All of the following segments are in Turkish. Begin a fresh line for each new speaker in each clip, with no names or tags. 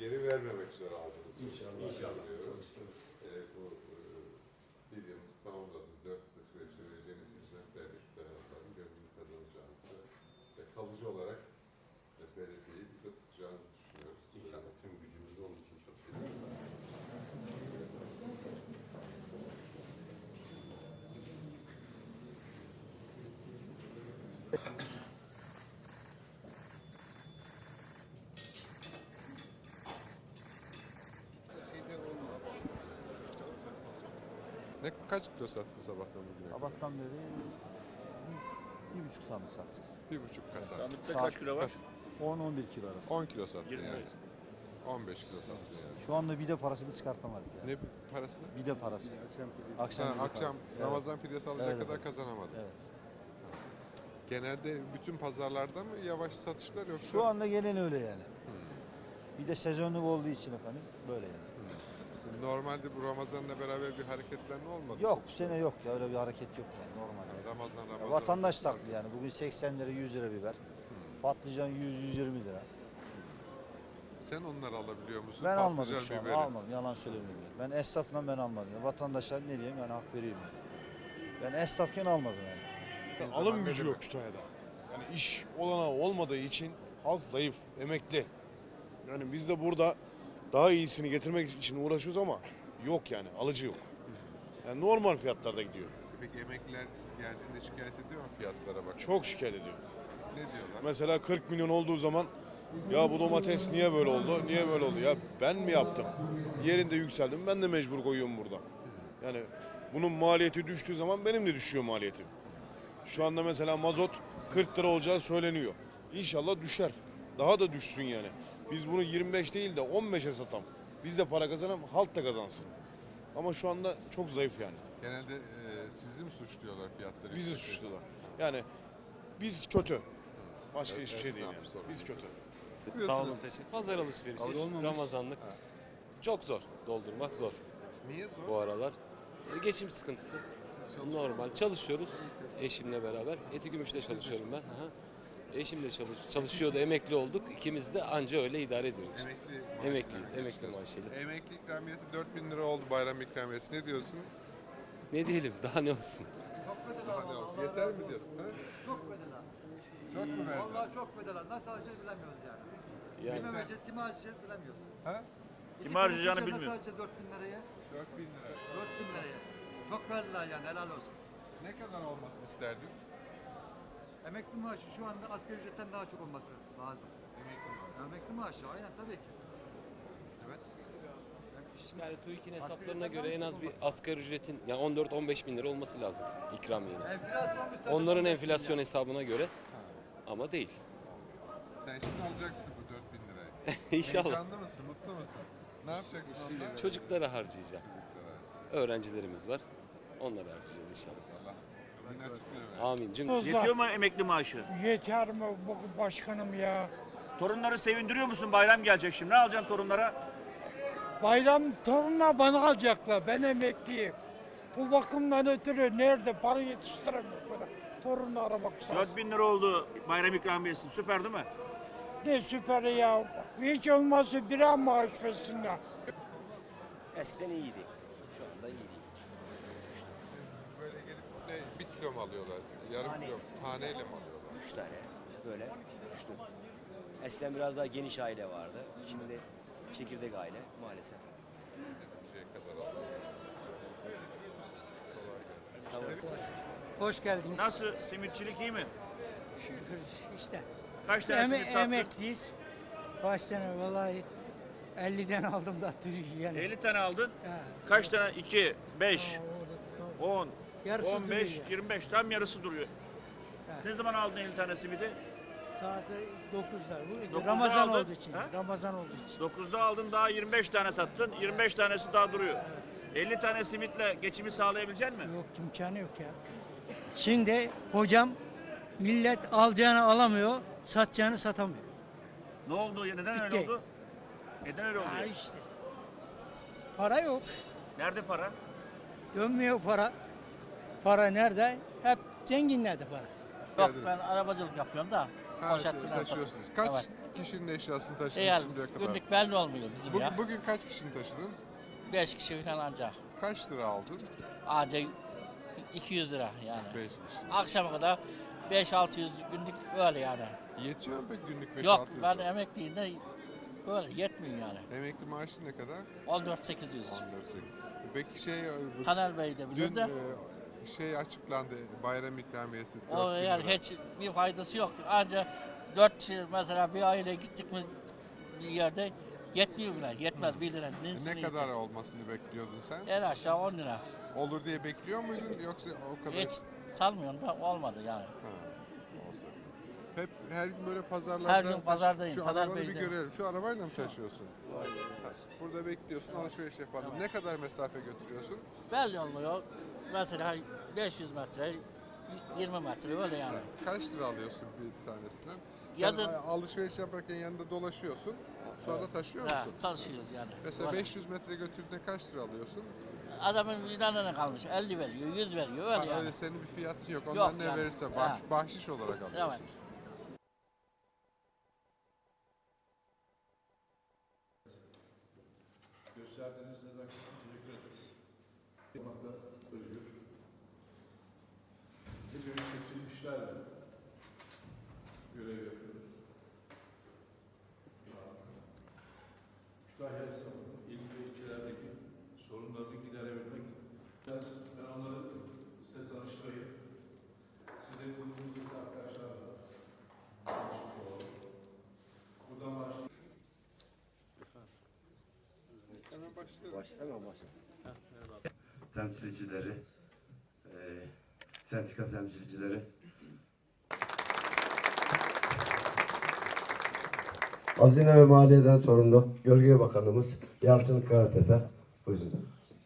geri vermemek üzere aldınız.
İnşallah.
İnşallah. Bu bir yılımız tamamladı. 4 süreçte vereceğiniz hizmetlerle şu tarafların gönlünü kazanacağınızı ve kalıcı olarak belediyeyi bize tutacağınızı düşünüyoruz.
İnşallah tüm gücümüz onun için çok seviyoruz.
Kaç kilo sattı sabahtan bugüne?
Sabahtan beri 1,5 sandık sattık.
1,5 kasa.
Sandıkta kaç kilo var?
10-11 kilo arası.
10 kilo sattı
20
yani.
evet.
15 kilo sattı yani.
Şu anda bide parasını çıkartamadık yani.
Ne parasını?
Bide parası. Akşam
Ha,
bide
akşam
parası.
Ramazan pidesi alacak
Evet,
kadar
evet.
kazanamadı.
Evet.
Genelde bütün pazarlarda mı yavaş satışlar yoksa?
Şu anda gelen öyle yani. Bir de sezonluk olduğu için efendim böyle yani.
Normalde bu Ramazan'la beraber bir hareketlenme olmadı.
Yok
mı?
bu sene yok ya öyle bir hareket yok yani normal.
Ramazan.
Ya vatandaş saklı yani. Bugün 80 lira 100 lira biber. Patlıcan 100-120 lira.
Sen onları alabiliyor musun?
Ben almadım
Patlıcan,
şu an.
biberi.
Almadım. Yalan söylemiyorum. Ben esnafla ben almadım. Ya vatandaşa ne diyeyim yani hak veriyorum yani. Ben esnafken almadım yani.
Alım gücü yok Kütahya'da. Yani iş olanağı olmadığı için halk zayıf, emekli. Yani biz de burada daha iyisini getirmek için uğraşıyoruz ama yok yani, alıcı yok. Yani normal fiyatlarda gidiyor.
Peki emekliler geldiğinde şikayet ediyor mu fiyatlara bak?
Çok şikayet ediyor.
Ne diyorlar?
Mesela 40 milyon olduğu zaman ya bu domates niye böyle oldu, niye böyle oldu? Ya ben mi yaptım? Yerinde yükseldim, ben de mecbur koyuyorum burada. Yani bunun maliyeti düştüğü zaman benim de düşüyor maliyetim. Şu anda mesela mazot 40 lira olacağı söyleniyor. İnşallah düşer. Daha da düşsün yani. Biz bunu 25 değil de 15'e satalım. Biz de para kazanalım, halk da kazansın. Ama şu anda çok zayıf yani.
Genelde sizi mi suçluyorlar fiyatları?
Bizi
yüksek?
suçlular. Yani biz kötü. Başka
Evet,
hiçbir şey değil
esnaf
yani.
sorunu.
Biz kötü.
Sağ olun teşekkür. Pazar alışverişi, Ramazanlık. Çok zor. Doldurmak zor
Niye zor?
bu aralar. Geçim sıkıntısı. Normal. Çalışıyoruz eşimle beraber. Eti çalışıyorum ben. Aha. Eşim de çalışıyordu, emekli olduk. İkimiz de anca öyle idare ediyoruz işte. Emekliyiz, emekli maaşıyla.
Emekli ikramiyesi 4.000 lira oldu bayram ikramiyesi. Ne diyorsun?
Ne diyelim, daha ne olsun?
Yeter mi diyorsun? Ha?
Çok bedela.
Çok mu verdiler?
Vallahi çok bedela. Nasıl harcayacağız bilemiyoruz yani.
Yani
Kime vereceğiz, kime harcayacağız bilemiyoruz.
Ha?
Kime harcayacağını
Nasıl
bilmiyor.
harcayacağız 4.000 liraya?
4.000 lira.
4.000 liraya. Çok verdiler yani helal olsun.
Ne kadar olmasını isterdin?
Emekli maaşı şu anda asgari ücretten daha çok olması lazım. Emekli maaşı aynen tabii ki. Evet.
Yani TÜİK'in
Asgari
hesaplarına
ücretten
göre en
daha
az
çok
bir
olması lazım.
asgari ücretin yani 14-15 bin lira olması lazım ikramiyenin.
Enflasyon müsaade
Onların
etmiyor
enflasyon
ya.
hesabına göre ama değil.
Sen şimdi alacaksın bu 4.000 lirayı.
İnşallah.
Heyecanlı mısın? Mutlu musun? Ne yapacaksın onunla?
Çocuklara harcayacağım. Öğrencilerimiz var. Onlara harcayacağız inşallah.
Allah zihin açıklıyor.
Amin.
Yetiyor mu emekli maaşı?
Yeter mi başkanım ya?
Torunları sevindiriyor musun? Bayram gelecek şimdi. Ne alacaksın torunlara?
Bayram torunla bana alacaklar. Ben emekliyim. Bu bakımdan ötürü nerede para yetiştiremiyorum. Torunla aramak lazım.
4000 lira oldu bayram ikramiyesi. Süper değil mi?
Ne süper ya. Hiç olmazsa bir an maaş versinler.
Eskiden iyiydi. Şu anda iyi değil.
Böyle gelip bir kilo mu alıyorlar? Yarım kilo mu? Taneyle mi alıyorlar?
3 tane böyle düştü. Eskiden biraz daha geniş aile vardı. Şimdi çekirdek aile maalesef.
Şeye kadar alıyorlar.
Sağ olun.
Hoş geldiniz.
Nasıl? Simitçilik iyi mi?
İşte
Kaç tane simit sattın?
emekliyiz. Kaç tane vallahi 50'den aldım da yani.
50 tane aldın.
Ha.
Kaç tane? 2, 5, 10,
Yarısı
15,
duruyor.
25. Tam yarısı duruyor.
Evet.
Ne zaman aldın 50 tane simidi?
Saat 9'da. Bu
9'da
Ramazan
aldın.
olduğu için.
Ha?
Ramazan olduğu için.
9'da aldın daha 25 tane sattın. 25 tanesi daha duruyor. 50 tane simitle geçimi sağlayabilecek misin?
Yok imkanı yok ya. Şimdi hocam millet alacağını alamıyor, satacağını satamıyor.
Ne oldu? Neden öyle
Bitti.
oldu? Neden öyle oldu?
Ha işte. Para yok.
Nerede para?
Dönmüyor para. Para nerede? Hep zenginlerde para.
Yok ben arabacılık yapıyorum da
Ha,
Poşet falan
taşıyorsunuz.
satıyoruz.
Kaç
Evet.
kişinin eşyasını taşıdınız
Eğer
şimdiye kadar?
günlük belli olmuyor bizim ya.
Bugün kaç kişinin taşıdın?
5 kişi falan ancak.
Kaç lira aldın?
Ancak 200 lira yani.
5 kişi.
Akşama kadar 5-600 günlük öyle yani.
Yetiyor mu peki günlük 5-600
Yok
lira?
ben emekliyim de böyle yetmiyor yani.
Emekli maaşı ne kadar?
14-800.
14. Peki
Taner Bey de bilir
dün
de.
açıklandı, bayram ikramiyesi.
O
4000
yani
lira.
hiç bir faydası yok. Ancak 4 kişi mesela bir aile gittik mi bir yerde yetmiyor bile. Yetmez 1 lira.
Ne kadar olmasını bekliyordun sen?
En aşağı 10 lira.
Olur diye bekliyor muydun yoksa o kadar?
Hiç sanmıyorum da olmadı yani.
Ha, olsun. Hep her gün böyle pazarlarda
Her gün pazardayım,
Şu
Taner
arabanı bir
Bey'de.
görelim. Şu arabayla mı taşıyorsun? Ha, burada bekliyorsun, alışveriş yapalım. Ne kadar mesafe götürüyorsun?
Belli olmuyor. Mesela 500 metre, 20 metre öyle yani.
Kaç lira alıyorsun bir tanesinden?
Yazın-
Sen alışveriş yaparken yanında dolaşıyorsun. Sonra taşıyor
Ha,
musun?
taşıyoruz yani.
Mesela
Öyle.
500 metre götürdüğünde kaç lira alıyorsun?
Adamın vicdanına kalmış. 50 veriyor, 100 veriyor öyle
Ha,
yani.
öyle senin bir fiyatın yok. Onlar ne
yani.
verirse
Ha.
bahşiş olarak alıyorsun.
Evet.
Gösterdiğiniz nezakete teşekkür ederiz. Özgür. Bugün seçilmişlerle görev yapıyoruz. Kütahya esnafının il ve ilçelerdeki sorunlarını giderebilmek. Ben onları size tanıştırayım. Size grubumuzdaki arkadaşlarla tanışmış olalım. Buradan başlayalım. Hemen başlayalım.
Hemen başlasın. Temsilcileri, sendika temsilcileri. Hazine ve Maliye'den sorumlu Gölge Bakanımız Yalçın Karatepe. Buyurun.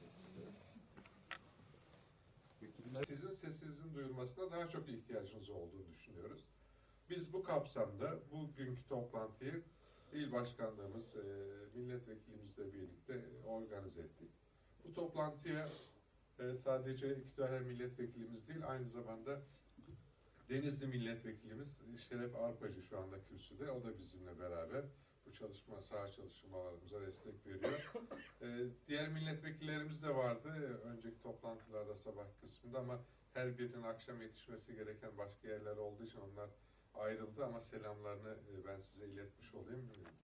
Sizin sesinizin duyulmasına daha çok ihtiyacınız olduğunu düşünüyoruz. Biz bu kapsamda bugünkü toplantıyı İl Başkanlığımız, milletvekilimizle birlikte organize ettik. Bu toplantıya sadece Kütahya milletvekilimiz değil, aynı zamanda Denizli milletvekilimiz Şeref Arpacı şu anda kürsüde. O da bizimle beraber bu saha çalışmalarımıza destek veriyor. Diğer milletvekillerimiz de vardı önceki toplantılarda sabah kısmında ama her birinin akşam yetişmesi gereken başka yerler olduğu için onlar ayrıldı ama selamlarını ben size iletmiş olayım.